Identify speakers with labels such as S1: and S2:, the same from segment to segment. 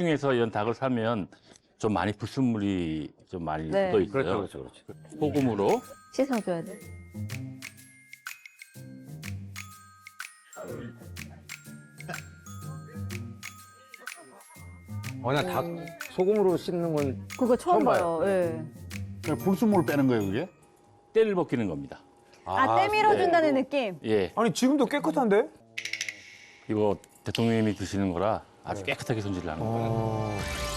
S1: 시중에서 이런 닭을 사면 좀 많이 불순물이 좀 많이
S2: 네.
S1: 묻어 있어요.
S3: 그렇죠.
S1: 소금으로
S2: 씻어줘야 돼.
S3: 나 닭 소금으로 씻는 건
S2: 그거 처음
S3: 처음
S2: 봐요. 예.
S4: 그냥 불순물을 빼는 거예요, 그게?
S1: 때를 벗기는 겁니다.
S2: 아, 때 밀어준다는 느낌?
S1: 예,
S5: 아니 지금도 깨끗한데?
S1: 이거 대통령님이 드시는 거라 아주 깨끗하게 손질을 하는 거예요.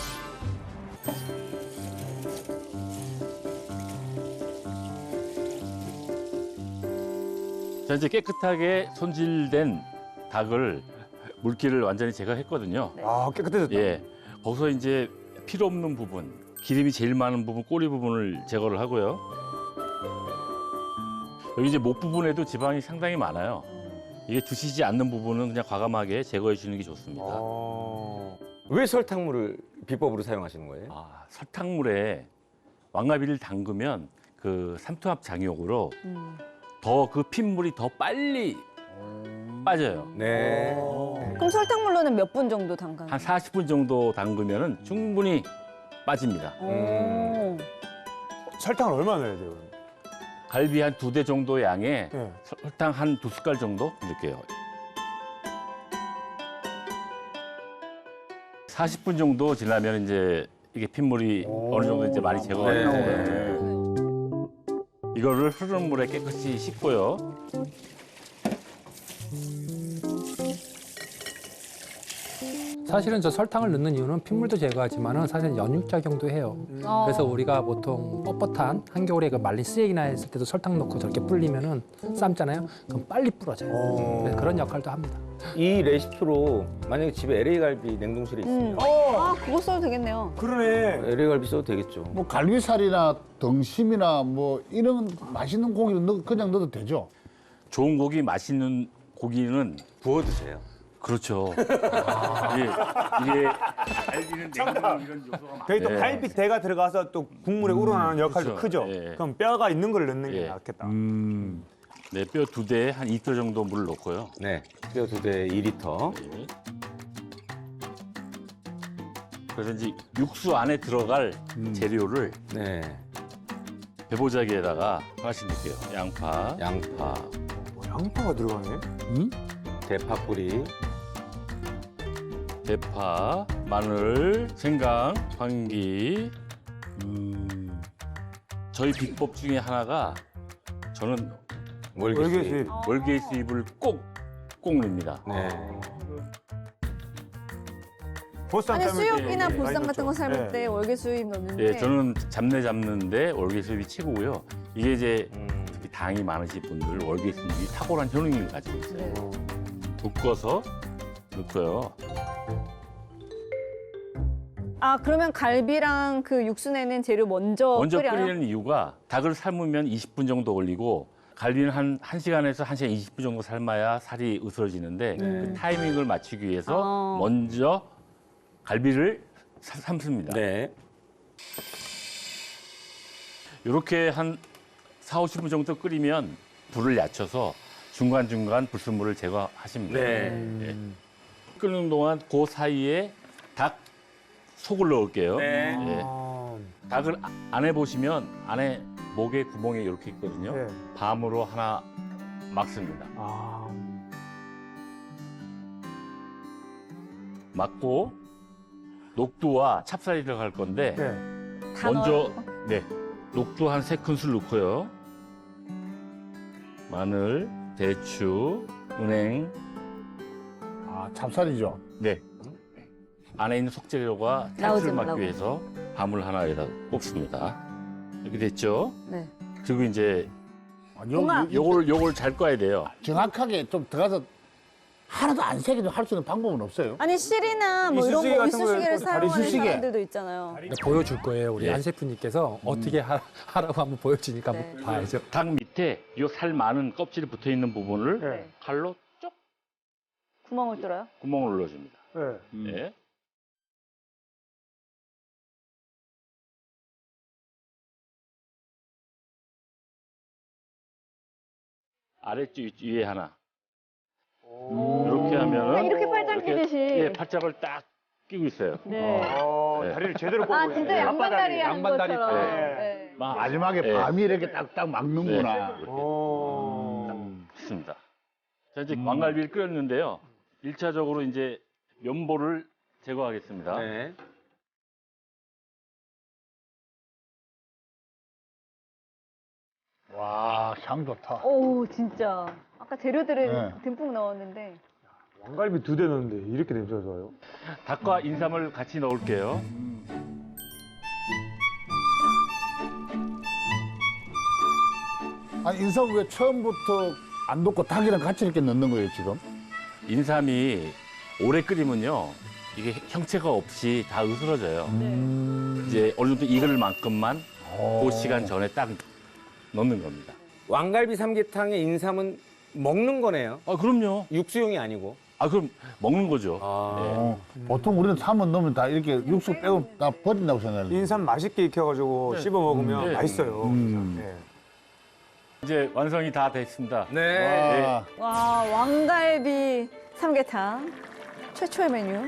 S1: 자, 이제 깨끗하게 손질된 닭을 물기를 완전히 제거했거든요.
S5: 아 깨끗해졌다.
S1: 예, 거기서 이제 필요 없는 부분, 기름이 제일 많은 부분, 꼬리 부분을 제거를 하고요. 여기 이제 목 부분에도 지방이 상당히 많아요. 이게 드시지 않는 부분은 그냥 과감하게 제거해 주는 게 좋습니다.
S3: 왜 설탕물을 비법으로 사용하시는 거예요?
S1: 아, 설탕물에 왕가비를 담그면 그 삼투압 장용으로 더 그 핏물이 더 빨리 빠져요.
S3: 네.
S2: 그럼 설탕물로는 몇 분 정도 담가요?
S1: 한 40분 정도 담그면 충분히 빠집니다.
S2: 오.
S5: 설탕을 얼마나 넣어야 돼요? 그럼?
S1: 갈비 한 2대 정도 양에
S5: 네.
S1: 설탕 한 2숟갈 정도 넣을게요. 40분 정도 지나면 이제 이게 핏물이 어느 정도 이제 많이 제거가
S3: 네.
S1: 되고요. 이거를 흐르는 물에 깨끗이 씻고요.
S6: 사실은 저 설탕을 넣는 이유는 핏물도 제거하지만은 사실 연육작용도 해요. 그래서 우리가 보통 뻣뻣한 한겨울에 그 말린 쓰레기나 했을 때도 설탕 넣고 저렇게 불리면은 삶잖아요. 그럼 빨리 불어져요. 그래서 그런 역할도 합니다.
S3: 이 레시피로 만약에 집에 LA 갈비 냉동실에 있으면
S2: 아, 그거 써도 되겠네요.
S5: 그러네.
S3: LA 갈비 써도 되겠죠.
S4: 뭐 갈비살이나 등심이나 뭐 이런 맛있는 고기를 그냥 넣어도 되죠?
S1: 좋은 고기, 맛있는 고기는
S3: 구워 드세요.
S1: 그렇죠. 이게 갈비는 냉동 이런 요소가 많아요.
S5: 거기 또 갈비대가 들어가서 또 국물에 우러나는 역할도
S1: 그렇죠.
S5: 크죠.
S1: 예.
S5: 그럼 뼈가 있는 걸 넣는 게
S1: 예.
S5: 낫겠다.
S1: 네, 뼈 2대에 한 2kg 정도 물을 넣고요.
S3: 네. 뼈 2대 2리터.
S1: 네. 그래서 이제 육수 안에 들어갈 재료를
S3: 네.
S1: 배보자기에다가 하나씩 넣을게요. 양파,
S3: 양파,
S5: 양파가 들어가네.
S3: 대파 뿌리,
S1: 대파, 마늘, 생강, 황기. 저희 비법 중에 하나가 저는
S3: 월계수잎.
S1: 월계수잎을 꼭 넣습니다.
S3: 네.
S5: 보쌈
S2: 아니,
S5: 삶을 때
S2: 수육이나
S5: 많이
S2: 보쌈 같은
S5: 넣죠.
S2: 거 삶을
S5: 예.
S2: 때 월계수잎 넣는데.
S1: 예, 저는 잡내 잡는데 월계수잎이 최고고요. 이게 이제 특히 당이 많으신 분들 월계수잎이 탁월한 효능을 가지고 있어요.
S2: 네.
S1: 볶아서 넣고요.
S2: 아, 그러면 갈비랑 그 육수 내는 재료 먼저 끓여요?
S1: 끓이는 이유가 닭을 삶으면 20분 정도 걸리고 갈비는 한 1시간에서 1시간 20분 정도 삶아야 살이 으스러지는데 그 타이밍을 맞추기 위해서 먼저 갈비를 삶습니다.
S3: 네.
S1: 이렇게 한 4, 50분 정도 끓이면 불을 낮춰서 중간중간 불순물을 제거하십니다.
S3: 네.
S1: 예. 끓는 동안 그 사이에 닭 속을 넣을게요.
S3: 네.
S1: 예. 닭을 안에 보시면 안에 목에 구멍이 이렇게 있거든요.
S5: 네.
S1: 밤으로 하나 막습니다. 막고 녹두와 찹쌀이 들어갈 건데
S5: 네.
S2: 다
S1: 먼저
S2: 넣어요?
S1: 네 녹두 한 3큰술 넣고요. 마늘, 대추, 은행,
S4: 아, 찹쌀이죠.
S1: 네 안에 있는 속재료가
S2: 나오지
S1: 탈출을
S2: 말라고.
S1: 막기 위해서 밤을 하나 여기다 꼽습니다. 이렇게 됐죠?
S2: 네.
S1: 그리고 이제
S2: 고마.
S1: 요걸 잘 꺼야 돼요.
S4: 정확하게 좀 들어가서 하나도 안 새게도 할 수 있는 방법은 없어요?
S2: 아니, 실이나 뭐 이런
S5: 이쑤시개
S2: 거
S5: 같은 거에
S2: 이쑤시개를
S5: 또
S2: 사용하는
S4: 이쑤시개.
S2: 사람들도 있잖아요.
S6: 보여줄 거예요. 우리
S1: 예.
S6: 한 셰프님께서 어떻게 하라고 한번 보여주니까
S2: 네.
S6: 한번 봐야죠.
S1: 닭 밑에 요 살 많은 껍질이 붙어 있는 부분을
S5: 네.
S1: 칼로 쪽
S2: 구멍을 뚫어요?
S1: 구멍을 눌러줍니다.
S5: 네.
S1: 네. 아래쪽 위에 하나. 이렇게 하면은
S2: 이렇게 팔짱 끼듯이.
S1: 예, 팔짝을 딱 끼고 있어요.
S2: 네.
S1: 네.
S5: 다리를 제대로 꽂고
S2: 아
S5: 있네.
S2: 진짜 양반다리 하는
S6: 양반다리
S2: 것처럼.
S5: 때.
S2: 네.
S4: 마지막에
S1: 네.
S4: 밤이 이렇게 딱딱 막는구나.
S1: 네. 좋습니다. 자, 이제 왕갈비를 끓였는데요. 1차적으로 이제 면보를 제거하겠습니다.
S3: 네.
S4: 와, 향 좋다.
S2: 오 진짜. 아까 재료들을
S4: 네.
S2: 듬뿍 넣었는데.
S5: 왕갈비 2대 넣었는데 이렇게 냄새가 좋아요?
S1: 닭과 인삼을 같이 넣을게요.
S4: 아니, 인삼 왜 처음부터 안 넣고 닭이랑 같이 이렇게 넣는 거예요, 지금?
S1: 인삼이 오래 끓이면요. 이게 형체가 없이 다 으스러져요. 이제 어느 정도 익을 만큼만 그 시간 전에 딱 넣는 겁니다.
S3: 왕갈비 삼계탕에 인삼은 먹는 거네요.
S1: 아, 그럼요.
S3: 육수용이 아니고.
S1: 아, 그럼 먹는 거죠.
S4: 어, 보통 우리는 삼은 넣으면 다 이렇게 육수 빼고 다 버린다고 생각하는데.
S5: 인삼 맛있게 익혀가지고 씹어 먹으면
S1: 네.
S5: 맛있어요. 네.
S1: 이제 완성이 다 됐습니다.
S3: 네.
S4: 와,
S2: 와 왕갈비 삼계탕 최초의 메뉴.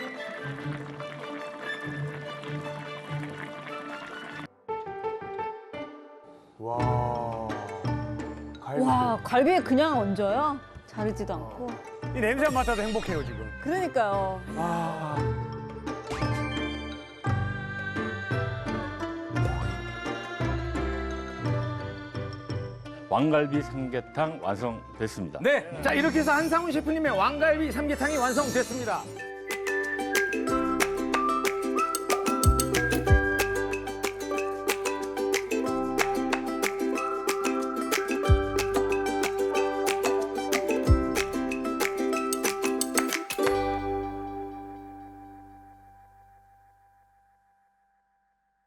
S5: 와. 갈비.
S2: 와 갈비에 그냥 얹어요? 자르지도 않고.
S5: 이 냄새만 맡아도 행복해요, 지금.
S2: 그러니까요.
S5: 와.
S1: 왕갈비 삼계탕 완성됐습니다.
S3: 네. 자, 이렇게 해서 한상훈 셰프님의 왕갈비 삼계탕이 완성됐습니다.